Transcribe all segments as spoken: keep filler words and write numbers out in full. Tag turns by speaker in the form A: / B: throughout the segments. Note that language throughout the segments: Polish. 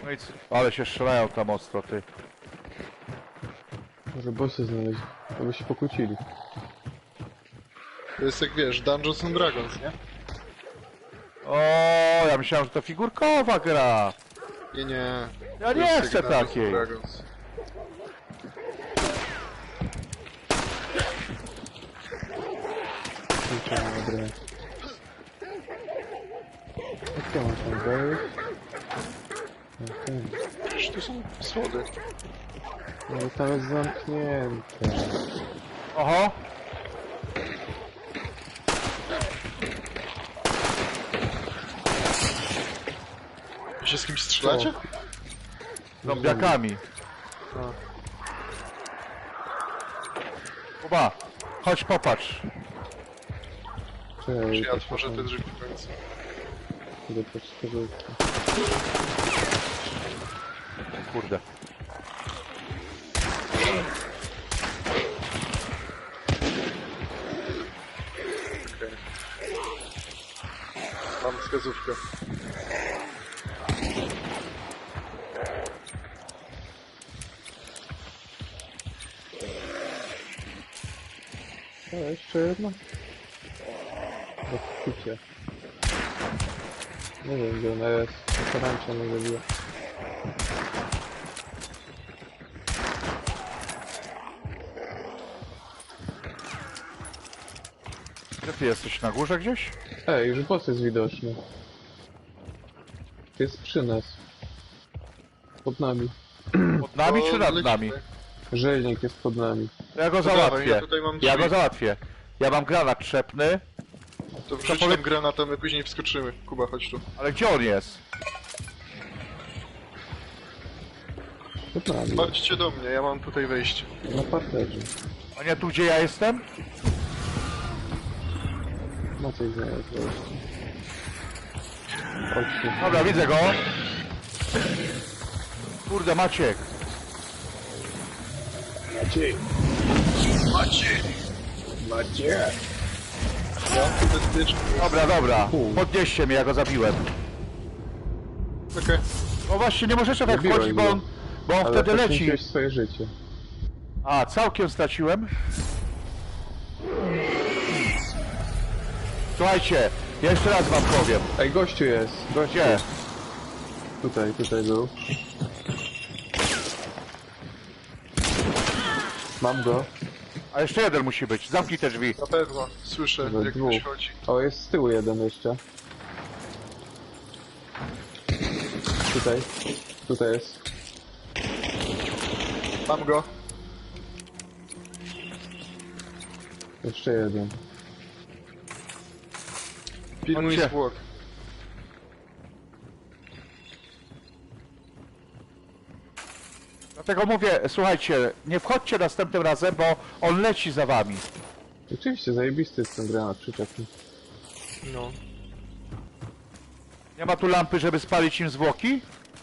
A: No i co? Ale się strzelają tam ostro, ty.
B: Może bossy znaleźć, to by się pokłócili.
C: To jest jak wiesz, Dungeons and Dragons, nie?
A: O, ja myślałem, że to figurkowa gra.
C: Nie, nie.
A: Ja
C: To
A: nie
C: jest
A: chcę
C: jak Dungeons and
A: takiej.
C: Dragons.
B: Kurczę, dobra. Jak ja mam tam wejść? Okej.
C: Przecież tu są schody.
B: No i tam jest zamknięte.
A: Oho.
C: Wy się z kimś strzelacie?
A: Zombiakami.
C: A.
A: Kuba, chodź popatrz.
B: Cześć,
C: Czy ja otworzę te drzwi w końcu?
B: idę po skrzydłówkę.
A: Kurde.
C: Okej. Mam wskazówkę.
B: O, jeszcze jedno? Do kucie. Nie wiem gdzie ona jest. Tarancza mnie zabiła.
A: Gdzie ty jesteś? Na górze gdzieś?
B: Ej, już boss jest widoczny. Jest przy nas. Pod nami.
A: Pod nami
C: To
A: czy nad
C: lecimy.
A: nami?
B: Rzeźnik jest pod nami.
A: Ja go
C: To dawaj,
A: załatwię.
C: ja tutaj mam
A: Ja
C: drzwi.
A: go załatwię. Ja mam granat trzepny,
C: To wrzuć
A: powie-
C: tam granat, a my później wskoczymy. Kuba, chodź tu.
A: ale gdzie on jest?
B: Pod nami.
C: Chodźcie do mnie, ja mam tutaj wejście.
B: Na parterze.
A: A nie tu, gdzie ja jestem?
B: Maciej znalazł wejście. Chodźcie.
A: Dobra, widzę go. Kurde, Maciek.
B: Maciej!
C: Macie!
B: Maciej!
C: Ja mam tu bezpiecznie.
A: Dobra, dobra.
B: U.
A: Podnieście mnie, ja go zabiłem.
C: Okej.
A: No właśnie, nie możecie tak
B: Zabiłeś
A: wchodzić, bo
B: go.
A: on, bo on
B: Ale
A: wtedy leci.
B: poświęciłeś swoje życie.
A: A, całkiem straciłem. Słuchajcie, jeszcze raz wam powiem.
B: Ej, gościu jest! Gościu!
A: Gdzie?
B: Tutaj, tutaj był. Mam go.
A: A jeszcze jeden musi być. Zamknij te drzwi.
C: Na pewno. Słyszę,
B: We
C: jak
B: dwóch.
C: ktoś chodzi.
B: O, jest z tyłu jeden jeszcze. Tutaj. Tutaj jest.
C: Mam go.
B: Jeszcze jeden.
C: Pilnuj
A: Chodźcie.
C: zwłok.
A: Dlatego mówię, słuchajcie, nie wchodźcie następnym razem, bo on leci za wami.
B: Oczywiście, zajebisty jest ten granat przyczepny.
C: No.
A: Nie ma tu lampy, żeby spalić im zwłoki?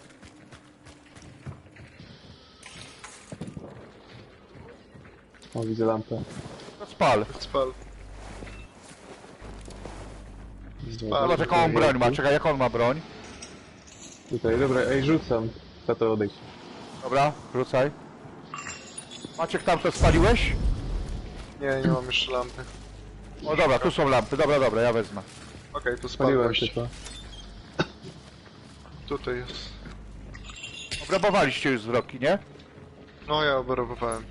B: O, widzę lampę.
A: To spal.
C: Spal.
A: Zobacz jaką on broń ma, czekaj, jak on ma broń.
B: Tutaj, dobra, ej, rzucam. Za to odejdź.
A: Dobra, rzucaj. Maciek, tam to spaliłeś?
C: Nie, nie mam jeszcze lampy.
A: O dobra, tu są lampy, dobra, dobra, ja wezmę.
C: Okej, to
B: Spaliłem
C: spalność.
B: typa.
C: Tutaj jest.
A: Obrabowaliście już zwroki, nie?
C: No, ja oberowałem.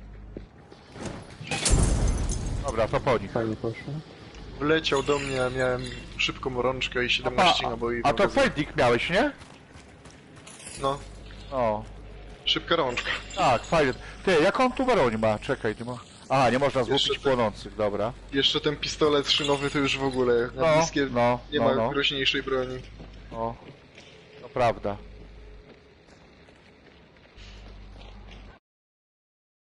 A: Dobra, to po nich.
B: Fajnie poszło.
C: Wleciał do mnie, a miałem szybką rączkę i siedemnaście naboi.
A: a to
C: magazynu.
A: Fending miałeś, nie?
C: No,
A: O,
C: szybka rączka.
A: tak, fajnie. Ty, jaką tu broń ma? Czekaj, ty ma... Aha, nie można złupić
C: Jeszcze te-
A: płonących, dobra.
C: Jeszcze ten pistolet szynowy to już w ogóle na
A: No,
C: bliskie
A: no,
C: nie
A: no,
C: ma
A: no.
C: groźniejszej broni.
A: O, to prawda.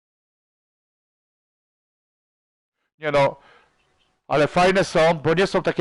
A: Nie no, ale fajne są, bo nie są takie